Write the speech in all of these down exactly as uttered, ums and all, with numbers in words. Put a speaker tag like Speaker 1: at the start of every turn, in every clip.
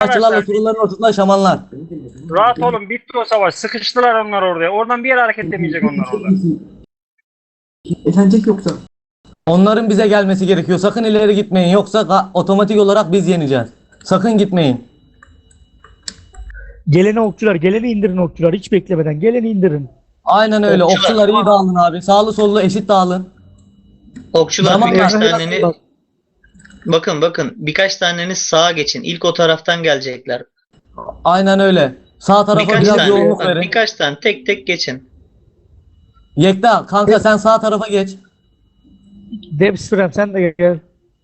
Speaker 1: Savaşçılarla
Speaker 2: Arkadaşlar
Speaker 1: surların ortasında şamanlar.
Speaker 2: rahat olun, bitti o savaş. Sıkıştılar onlar oraya. Oradan bir yere hareket demeyecek onlar orada.
Speaker 3: Efendim yoksa.
Speaker 1: Onların bize gelmesi gerekiyor. Sakın ileri gitmeyin. Yoksa ga- otomatik olarak biz yeneceğiz. Sakın gitmeyin.
Speaker 4: Gelene okçular, geleni indirin okçular. Hiç beklemeden geleni indirin.
Speaker 1: Aynen öyle.
Speaker 5: Okçular.
Speaker 1: Okçular iyi dağılın abi. Sağlı sollu eşit dağılın.
Speaker 5: Okçular
Speaker 1: Zaman
Speaker 5: birkaç
Speaker 1: var.
Speaker 5: taneni bakın bakın birkaç taneniz sağa geçin. İlk o taraftan gelecekler.
Speaker 1: Aynen öyle. Sağ tarafa
Speaker 5: Birkaç
Speaker 1: biraz
Speaker 5: tane
Speaker 1: yoğunluk
Speaker 5: bak,
Speaker 1: verin.
Speaker 5: birkaç tane tek tek geçin.
Speaker 1: Yekta kanka sen sağ tarafa geç.
Speaker 4: Dev Sürem sen de gel.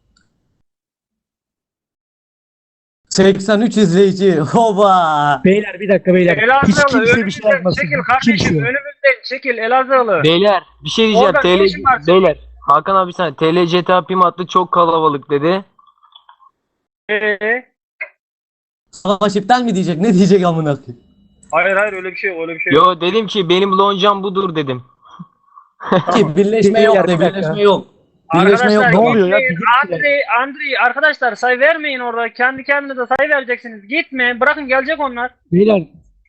Speaker 1: seksen üç izleyici. Hoba.
Speaker 4: Beyler bir dakika beyler. Hiç
Speaker 2: Elazığlı
Speaker 4: kimse bir şey
Speaker 2: önümüzden
Speaker 4: yapmasın.
Speaker 2: çekil
Speaker 4: Hiç
Speaker 2: kardeşim.
Speaker 4: kimse.
Speaker 2: Önümüzden çekil Elazığlı.
Speaker 6: Beyler bir şey diyeceğim.
Speaker 2: Orada ne
Speaker 6: T L
Speaker 2: işin var senin?
Speaker 6: beyler Hakan abi sen T L C T A Pim attı çok kalabalık dedi.
Speaker 2: Ee,
Speaker 1: Savaş iptal mi diyecek? Ne diyecek amına koyayım?
Speaker 2: hayır hayır öyle bir şey yok. Öyle bir şey yok.
Speaker 6: Yo dedim ki benim loncam budur dedim.
Speaker 1: Ki birleşme yok de
Speaker 4: Bir dakika.
Speaker 1: birleşme yok. Birleşme yok.
Speaker 2: Arkadaşlar
Speaker 4: Ne oluyor ya?
Speaker 2: gitmeyin.
Speaker 4: Bir gittiler.
Speaker 2: Andrei, Andrei arkadaşlar say vermeyin orada. Kendi kendinize say vereceksiniz. Gitmeyin. Bırakın gelecek onlar.
Speaker 4: Beyler.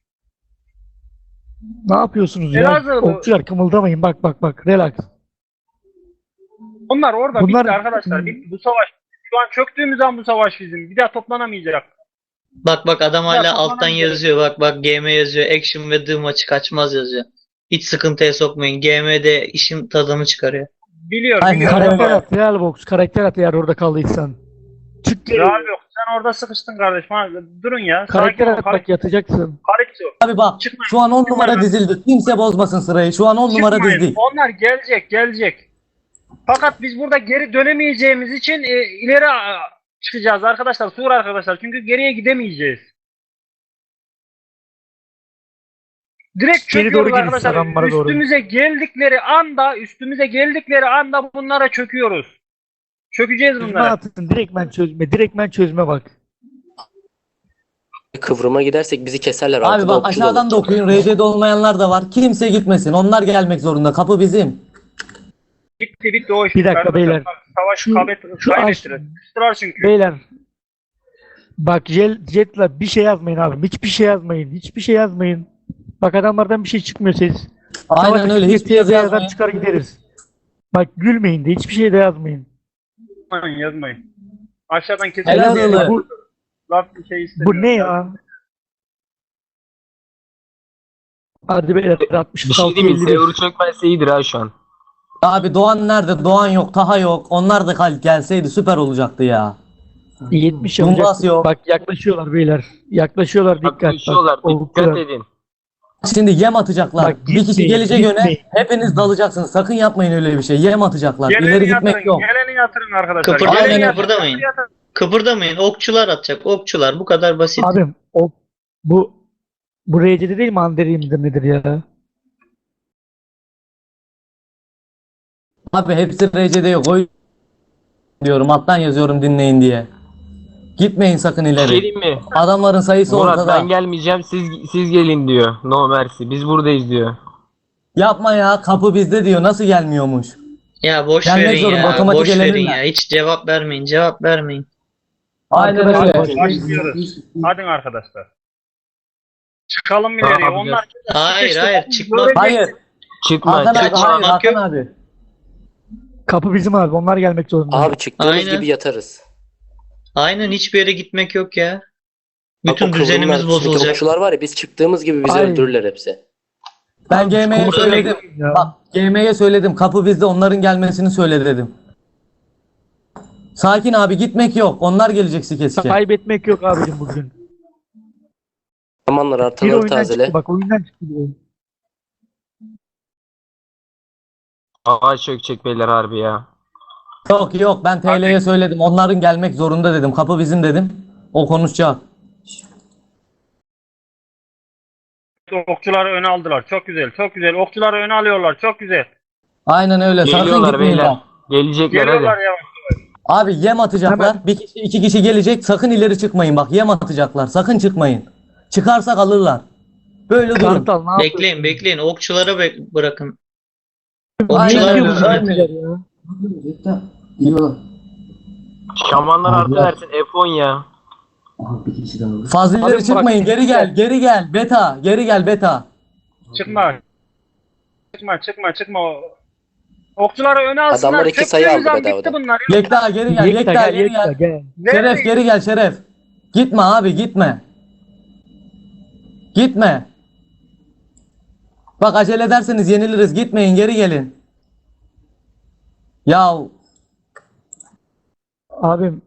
Speaker 4: Ne yapıyorsunuz ya?
Speaker 2: Elazığlı.
Speaker 4: Okçular kımıldamayın. Bak bak bak. Relax.
Speaker 2: Onlar orada
Speaker 4: Bunlar-
Speaker 2: bitti arkadaşlar. Bitti bu savaş. Şu an çöktüğümüz an bu savaş bizim. Bir daha toplanamayacak.
Speaker 5: Bak bak adam
Speaker 2: Ya,
Speaker 5: hala
Speaker 2: tamam,
Speaker 5: alttan
Speaker 2: tamam.
Speaker 5: yazıyor. Bak bak G M yazıyor. Action ve D maçı kaçmaz yazıyor. Hiç sıkıntıya sokmayın. G M'de işin tadını çıkarıyor.
Speaker 2: Biliyorum
Speaker 1: Aynen.
Speaker 2: biliyorum.
Speaker 4: Karakter at. Real box. Karakter at eğer orada kaldıysan. Çık geri.
Speaker 2: Ya yok sen orada sıkıştın kardeşim. Ha, durun ya.
Speaker 4: Karakter
Speaker 2: Sakin ol.
Speaker 4: at bak yatacaksın.
Speaker 2: Kalipso.
Speaker 1: Abi bak
Speaker 2: Çıkmayın.
Speaker 1: şu an on numara
Speaker 2: Çıkmayın.
Speaker 1: dizildi. Kimse bozmasın sırayı. Şu an on numara
Speaker 2: Çıkmayın.
Speaker 1: dizdik.
Speaker 2: Onlar gelecek gelecek. Fakat biz burada geri dönemeyeceğimiz için e, ileri a, çıkacağız arkadaşlar. Sur arkadaşlar. Çünkü geriye gidemeyeceğiz. Direkt
Speaker 4: Geri doğru
Speaker 2: çöküyoruz
Speaker 4: gelin,
Speaker 2: arkadaşlar.
Speaker 4: adamlara doğru.
Speaker 2: Üstümüze geldikleri anda, üstümüze geldikleri anda bunlara çöküyoruz. Çökeceğiz
Speaker 4: Çözme
Speaker 2: bunlara.
Speaker 4: atın. Direktmen çözme. Direktmen çözme bak.
Speaker 3: Kıvrıma gidersek bizi keserler.
Speaker 1: Abi
Speaker 3: Arkada
Speaker 1: bak
Speaker 3: okçu da
Speaker 1: aşağıdan da
Speaker 3: olur.
Speaker 1: okuyun. R C'de olmayanlar da var. Kimse gitmesin. Onlar gelmek zorunda. Kapı bizim.
Speaker 2: Bitti bitti o iş.
Speaker 4: Bir dakika
Speaker 2: Arkadaşlar,
Speaker 4: beyler.
Speaker 2: bak, Savaş
Speaker 4: Şu-
Speaker 2: kaybet,
Speaker 4: şu
Speaker 2: kaybettiler. Sıkıştılar çünkü.
Speaker 4: Beyler. Bak Jel, Jet'la bir şey yazmayın abi. Hiçbir şey yazmayın. Hiçbir şey yazmayın. Bak adamlardan bir şey çıkmıyor ses.
Speaker 1: Aynen
Speaker 4: Savaş
Speaker 1: öyle.
Speaker 4: çıkıyor,
Speaker 1: Hiçbir yazı
Speaker 4: yazar
Speaker 1: yazmayın.
Speaker 4: çıkar gideriz. Bak gülmeyin de hiçbir şey de yazmayın.
Speaker 2: Yazmayın yazmayın. Aşağıdan kesin.
Speaker 1: Elazığlı.
Speaker 4: Bu,
Speaker 2: Laf bir şey istemiyorum.
Speaker 4: bu ne ya? Hadi beyler altmış
Speaker 6: Bir şey diyeyim mi? Server çökmezse iyidir ha şu an.
Speaker 1: Abi Doğan nerede? Doğan yok. Taha yok. Onlar da kal- gelseydi süper olacaktı ya.
Speaker 4: yetmiş
Speaker 1: Yungas
Speaker 4: yapacak.
Speaker 1: yok.
Speaker 4: Bak yaklaşıyorlar beyler. Yaklaşıyorlar dikkat.
Speaker 6: Yaklaşıyorlar.
Speaker 4: Bak,
Speaker 6: Dikkat
Speaker 4: okçular.
Speaker 6: edin.
Speaker 1: Şimdi yem atacaklar.
Speaker 4: Bak,
Speaker 1: bir kişi
Speaker 4: gitmeyin,
Speaker 1: gelecek öne.
Speaker 4: gitmeyin.
Speaker 1: Hepiniz dalacaksınız. Sakın yapmayın öyle bir şey. Yem atacaklar.
Speaker 2: Geleni
Speaker 1: İleri
Speaker 2: yatırın,
Speaker 1: gitmek yok.
Speaker 2: geleni yatırın arkadaşlar.
Speaker 5: Kıpırdayın,
Speaker 2: Geleni yatırın,
Speaker 5: kıpırdamayın.
Speaker 2: yatırın.
Speaker 5: Kıpırdamayın. Okçular atacak. Okçular. Bu kadar basit.
Speaker 4: Abim o bu bu R C'de değil mi Anderi midir nedir ya?
Speaker 1: Abi hepsi R C'de yok. O diyorum. Alttan yazıyorum dinleyin diye. Gitmeyin sakın
Speaker 6: Bir şey
Speaker 1: ileri.
Speaker 6: diyeyim mi?
Speaker 1: Adamların sayısı
Speaker 6: Murat
Speaker 1: ortada.
Speaker 6: ben gelmeyeceğim siz siz gelin diyor. No mercy. Biz buradayız diyor.
Speaker 1: Yapma ya. Kapı bizde diyor. Nasıl gelmiyormuş?
Speaker 5: Ya boş
Speaker 1: Gelmek
Speaker 5: verin
Speaker 1: zorunda,
Speaker 5: ya.
Speaker 1: otomatik
Speaker 5: Boş verin
Speaker 1: elenirler.
Speaker 5: ya. Hiç cevap vermeyin. Cevap vermeyin.
Speaker 1: Aynen
Speaker 4: Arkadaşlar,
Speaker 1: öyle.
Speaker 2: Başlıyoruz. Hadi arkadaşlar. Çıkalım ileriye.
Speaker 6: Tamam,
Speaker 2: Onlar
Speaker 5: Hayır hayır. Çıkmak.
Speaker 2: Görecek.
Speaker 1: Hayır.
Speaker 6: Çıkma.
Speaker 1: Hakan abi.
Speaker 6: çıkma.
Speaker 1: Hayır.
Speaker 5: Çıkmak
Speaker 1: Hakan
Speaker 5: yok.
Speaker 1: abi.
Speaker 4: Kapı bizim abi. Onlar gelmek zorunda.
Speaker 3: Abi çıktığımız
Speaker 5: Aynen.
Speaker 3: gibi yatarız.
Speaker 5: Aynen hiçbir yere gitmek yok ya.
Speaker 3: Bak,
Speaker 5: Bütün
Speaker 3: o
Speaker 5: düzenimiz
Speaker 3: kıvrımlar, içindeki
Speaker 5: bozulacak.
Speaker 3: okçular var ya biz çıktığımız gibi bizi
Speaker 4: Ay.
Speaker 3: öldürürler hepsi.
Speaker 1: Ben G M'ye
Speaker 4: Komutanı
Speaker 1: söyledim.
Speaker 4: ya.
Speaker 1: Bak G M'ye söyledim. Kapı bizde. Onların gelmesini söyle dedim. Sakin abi gitmek yok. Onlar gelecek sike sike.
Speaker 4: Kaybetmek yok abicim bugün.
Speaker 3: Zamanlar
Speaker 4: Bir
Speaker 3: artaları
Speaker 4: oyundan
Speaker 3: tazele.
Speaker 4: çıktı bak oyundan çıktı. bir oyun.
Speaker 6: Aa çökecek beyler harbi ya.
Speaker 1: Yok yok ben T L'ye söyledim. Onların gelmek zorunda dedim. Kapı bizim dedim. O konuşacak.
Speaker 2: Okçuları öne aldılar. Çok güzel. Çok güzel. Okçuları öne alıyorlar. Çok güzel.
Speaker 1: Aynen öyle. Sakın
Speaker 6: Geliyorlar
Speaker 1: gitmeyin
Speaker 6: beyler.
Speaker 1: bak.
Speaker 6: Gelecekler
Speaker 2: Geliyorlar
Speaker 6: hadi.
Speaker 2: yavaş.
Speaker 1: Abi yem atacaklar. Bir kişi iki kişi gelecek. Sakın ileri çıkmayın bak. Yem atacaklar. Sakın çıkmayın. Çıkarsak alırlar. Böyle durun.
Speaker 4: Kartal ne yapıyor?
Speaker 5: Bekleyin bekleyin. Okçulara bek- bırakın.
Speaker 1: Aynen
Speaker 5: Okçular
Speaker 1: öyle.
Speaker 4: Bizim
Speaker 1: Ölmeyin.
Speaker 4: yaptılar ya.
Speaker 3: Geliyorlar.
Speaker 6: Şamanlar artı versin F on ya.
Speaker 1: Fazla ileri
Speaker 4: Abi
Speaker 1: çıkmayın.
Speaker 4: bırak.
Speaker 1: Geri gel. Geri gel. Beta. Geri gel beta.
Speaker 2: Çıkma. Çıkma çıkma çıkma. Okçuları öne alsınlar.
Speaker 3: Adamlar iki sayı
Speaker 2: Çöktüğümüz
Speaker 3: aldı
Speaker 2: an
Speaker 3: bedavadan.
Speaker 2: bitti bunlar.
Speaker 1: Yekta geri gel.
Speaker 4: Yekta
Speaker 1: Yekta
Speaker 4: gel
Speaker 1: geri
Speaker 4: Yekta
Speaker 1: gel.
Speaker 4: gel.
Speaker 1: Şeref
Speaker 2: Vermeyin.
Speaker 1: geri gel Şeref. Gitme abi gitme. Gitme. Bak acele ederseniz yeniliriz. Gitmeyin geri gelin. Ya
Speaker 4: Abim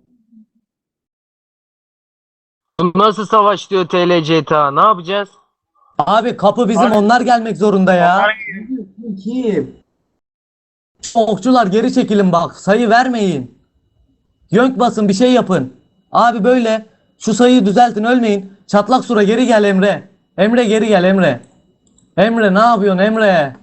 Speaker 6: Bu nasıl savaş diyor T L C T A? Ne yapacağız?
Speaker 1: abi kapı bizim
Speaker 2: Abi-
Speaker 1: onlar gelmek zorunda ya.
Speaker 2: Onlar-
Speaker 1: Okçular geri çekilin bak. Sayı vermeyin. Yönk basın bir şey yapın. Abi böyle şu sayıyı düzeltin ölmeyin. Çatlak sura geri gel Emre. Emre geri gel Emre. Emre ne yapıyorsun Emre?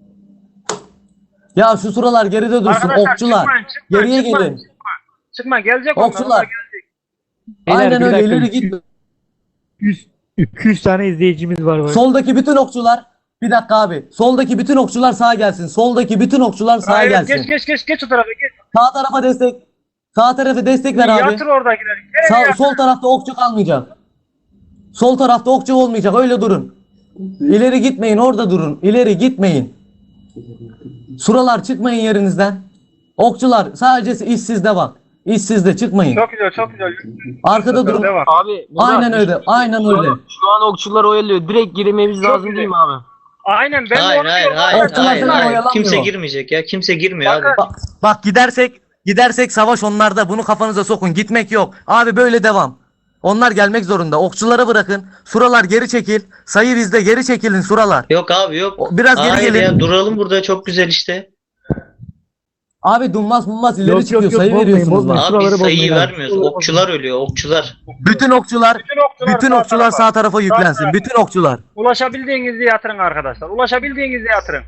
Speaker 1: Ya şu suralar geride dursun
Speaker 2: Arkadaşlar
Speaker 1: okçular.
Speaker 2: çıkmayın, çıkmayın,
Speaker 1: Geriye
Speaker 2: çıkmayın,
Speaker 1: gelin.
Speaker 2: Çıkma. Çıkma gelecek onlar.
Speaker 1: Okçular.
Speaker 2: onlar gelecek.
Speaker 4: Beyler,
Speaker 1: Aynen
Speaker 4: bir
Speaker 1: öyle
Speaker 4: dakika,
Speaker 1: ileri
Speaker 4: iki-
Speaker 1: git.
Speaker 4: yüz iki yüz tane izleyicimiz var. var.
Speaker 1: Soldaki bütün okçular bir dakika abi. Soldaki bütün okçular sağa gelsin. Soldaki bütün okçular sağa
Speaker 2: Hayır,
Speaker 1: gelsin.
Speaker 2: geç geç geç geç o tarafa geç.
Speaker 1: Sağ tarafa destek. Sağ tarafa destek ver abi.
Speaker 2: Yatır oradakileri. Geri
Speaker 1: Sağ,
Speaker 2: yatır.
Speaker 1: sol tarafta okçu kalmayacak. Sol tarafta okçu olmayacak. Öyle durun. İleri gitmeyin. Orada durun. İleri gitmeyin. Suralar çıkmayın yerinizden. Okçular sadece işsizde bak. İşsizde çıkmayın.
Speaker 2: Çok güzel çok güzel.
Speaker 1: Arkada durun.
Speaker 2: Devam.
Speaker 6: Abi buna-
Speaker 1: Aynen öyle. Aynen
Speaker 6: Şu an-
Speaker 1: öyle.
Speaker 6: Şu an okçular oyalıyor. Direkt girmemiz lazım
Speaker 2: güzel.
Speaker 6: değil mi abi?
Speaker 2: Aynen ben de
Speaker 5: Hayır
Speaker 2: onu
Speaker 5: hayır
Speaker 2: diyorum.
Speaker 5: hayır
Speaker 1: Okçular
Speaker 5: hayır.
Speaker 1: falan
Speaker 5: hayır.
Speaker 1: oyalanmıyor.
Speaker 5: Kimse girmeyecek ya. Kimse girmiyor abi.
Speaker 2: Bakın.
Speaker 1: Bak, bak gidersek gidersek savaş onlarda. Bunu kafanıza sokun. Gitmek yok. Abi böyle devam. Onlar gelmek zorunda. Okçulara bırakın. Suralar geri çekil. Sayı bizde. Geri çekilin suralar.
Speaker 5: Yok abi yok.
Speaker 1: O- Biraz geri
Speaker 5: Hayır
Speaker 1: gelin.
Speaker 5: ya duralım burada çok güzel işte.
Speaker 1: Abi dummaz mummaz ileri
Speaker 4: Yok, yok,
Speaker 1: çıkıyor.
Speaker 4: yok,
Speaker 1: sayı
Speaker 4: bozmayın,
Speaker 1: veriyorsunuz
Speaker 4: bozmayın.
Speaker 1: bak.
Speaker 5: Abi biz
Speaker 4: Şuraları
Speaker 5: sayıyı
Speaker 4: bozmayın abi.
Speaker 5: vermiyoruz.
Speaker 4: Şuraları
Speaker 5: Okçular ölüyor okçular.
Speaker 1: Bütün okçular
Speaker 2: Bütün okçular,
Speaker 1: bütün
Speaker 2: sağ
Speaker 1: okçular
Speaker 2: tarafa.
Speaker 1: sağ tarafa yüklensin.
Speaker 2: tarafa.
Speaker 1: Bütün okçular.
Speaker 2: Ulaşabildiğinizi yatırın arkadaşlar. Ulaşabildiğinizi yatırın.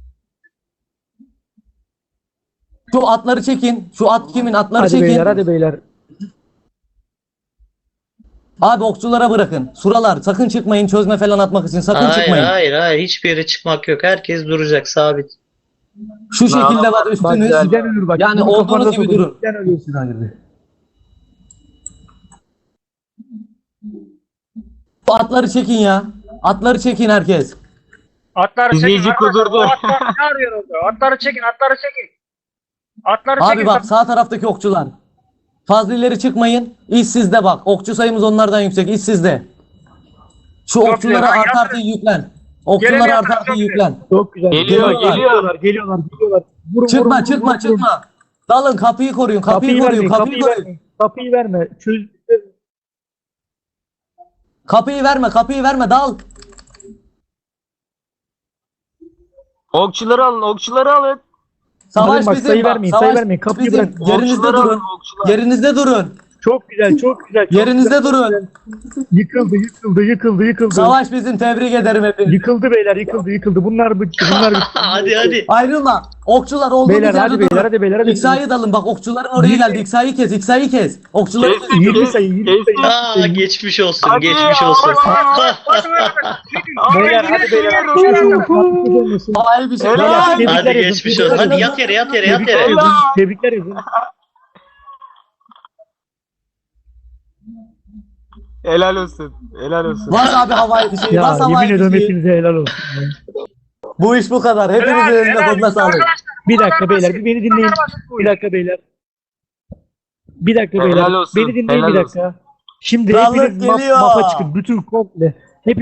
Speaker 1: Şu atları çekin. Şu at kimin? Atları
Speaker 4: Hadi
Speaker 1: çekin.
Speaker 4: beyler hadi beyler.
Speaker 1: Abi okçulara bırakın. Suralar sakın çıkmayın çözme falan atmak için. Sakın
Speaker 5: Hayır
Speaker 1: çıkmayın.
Speaker 5: hayır hayır. Hiçbir yere çıkmak yok. Herkes duracak sabit.
Speaker 1: Şu şekilde bak üstünüz.
Speaker 6: Bak,
Speaker 4: Giden ölür bak.
Speaker 1: Yani
Speaker 4: Bunu
Speaker 1: olduğunuz
Speaker 4: kafanıza
Speaker 1: gibi
Speaker 4: sokun.
Speaker 1: durun.
Speaker 4: Giden ölürsün.
Speaker 1: Bu atları çekin ya. Atları çekin herkes.
Speaker 2: Atları çekin.
Speaker 6: İzleyici
Speaker 2: arkadaşlar.
Speaker 6: kudurdu.
Speaker 2: O atlar ne arıyor orada? Atları çekin, atları çekin. Atları
Speaker 1: Abi
Speaker 2: çekin.
Speaker 1: bak sağ taraftaki okçular. Fazla ileri çıkmayın. İş sizde bak. Okçu sayımız onlardan yüksek. İş sizde. Şu
Speaker 2: Çok
Speaker 1: okçulara
Speaker 2: güzel.
Speaker 1: arka
Speaker 2: Yatırın.
Speaker 1: arkaya yüklen. Okçulara
Speaker 2: Geleni
Speaker 1: arka
Speaker 2: yatırın,
Speaker 1: arkaya
Speaker 2: çok
Speaker 1: yüklen.
Speaker 4: Çok güzel.
Speaker 6: Geliyor,
Speaker 4: Geliyorlar,
Speaker 6: geliyor.
Speaker 4: Geliyorlar geliyorlar geliyorlar. Vurun,
Speaker 1: Çıkma
Speaker 4: vurun,
Speaker 1: çıkma
Speaker 4: vurun, vurun.
Speaker 1: çıkma. Dalın kapıyı koruyun. Kapıyı,
Speaker 4: Kapıyı
Speaker 1: koruyun.
Speaker 4: vermeyin,
Speaker 1: Kapıyı
Speaker 4: kapıyı
Speaker 1: koruyun.
Speaker 4: verme. Kapıyı verme. Çöz.
Speaker 1: Kapıyı verme. Kapıyı verme. Dal.
Speaker 6: Okçuları alın, okçuları alın.
Speaker 1: Savaş
Speaker 4: Alın bak,
Speaker 1: bizim.
Speaker 4: sayı
Speaker 1: bak,
Speaker 4: vermeyin,
Speaker 1: savaş
Speaker 4: sayı vermeyin. Kapıyı
Speaker 1: bizim.
Speaker 4: bırakın.
Speaker 1: Yerinizde
Speaker 6: Okçuları
Speaker 1: durun.
Speaker 6: alın, okçular.
Speaker 1: Yerinizde durun.
Speaker 4: Çok güzel çok güzel. çok
Speaker 1: Yerinizde
Speaker 4: güzel.
Speaker 1: durun.
Speaker 4: Yıkıldı yıkıldı yıkıldı yıkıldı.
Speaker 1: Savaş bizim. Tebrik ederim hepinizi.
Speaker 4: Yıkıldı beyler yıkıldı yıkıldı. Bunlar bitti bunlar bitti.
Speaker 5: hadi hadi.
Speaker 1: Ayrılma. Okçular olduğunuz
Speaker 4: Beyler
Speaker 1: yerde
Speaker 4: hadi
Speaker 1: durun.
Speaker 4: beyler hadi beyler hadi.
Speaker 1: İksa'yı dalın. Bak okçuların oraya geldi. İksa'yı kes. İksa'yı kes. Okçuları kes.
Speaker 6: Kestik,
Speaker 4: yirmi
Speaker 6: kes-
Speaker 4: sayı yirmi
Speaker 6: kestik.
Speaker 4: sayı.
Speaker 5: Aa geçmiş olsun
Speaker 6: Hadi
Speaker 5: geçmiş
Speaker 6: ya,
Speaker 5: olsun.
Speaker 2: Bakın arkadaşlar.
Speaker 4: Beyler hadi beyler. Hadi
Speaker 1: Hayır bir şey.
Speaker 6: Helal.
Speaker 1: Beyler,
Speaker 4: Tebrikler
Speaker 5: Hadi
Speaker 4: yazın,
Speaker 5: geçmiş
Speaker 4: tebrikler
Speaker 5: olsun. Hadi
Speaker 4: yazın.
Speaker 5: yat yere yat yere yat
Speaker 4: Tebrikler
Speaker 5: yere.
Speaker 4: yazın. Tebrikler yazın.
Speaker 6: Helal olsun. Helal olsun.
Speaker 1: Bas abi havai fişeği.
Speaker 4: Ya
Speaker 1: Bas
Speaker 4: yemin
Speaker 1: havai
Speaker 4: ediyorum
Speaker 1: fişeği.
Speaker 4: hepinize helal olsun.
Speaker 1: Bu iş bu kadar. Hepinizin
Speaker 2: Helal,
Speaker 1: elinde
Speaker 2: helal.
Speaker 1: koluna sağlık.
Speaker 2: Arkadaşlar,
Speaker 4: Bir
Speaker 2: bu
Speaker 4: dakika
Speaker 2: kadar
Speaker 4: beyler
Speaker 2: basit.
Speaker 4: bir beni
Speaker 2: Bu
Speaker 4: dinleyin.
Speaker 2: kadar basit bu
Speaker 4: Bir
Speaker 2: iş.
Speaker 4: dakika beyler. Bir dakika
Speaker 6: Helal
Speaker 4: beyler.
Speaker 6: olsun,
Speaker 4: Beni dinleyin
Speaker 6: helal
Speaker 4: bir dakika. Şimdi
Speaker 1: Krallık
Speaker 4: hepiniz map,
Speaker 1: geliyor.
Speaker 4: mapa çıkın. Bütün komple.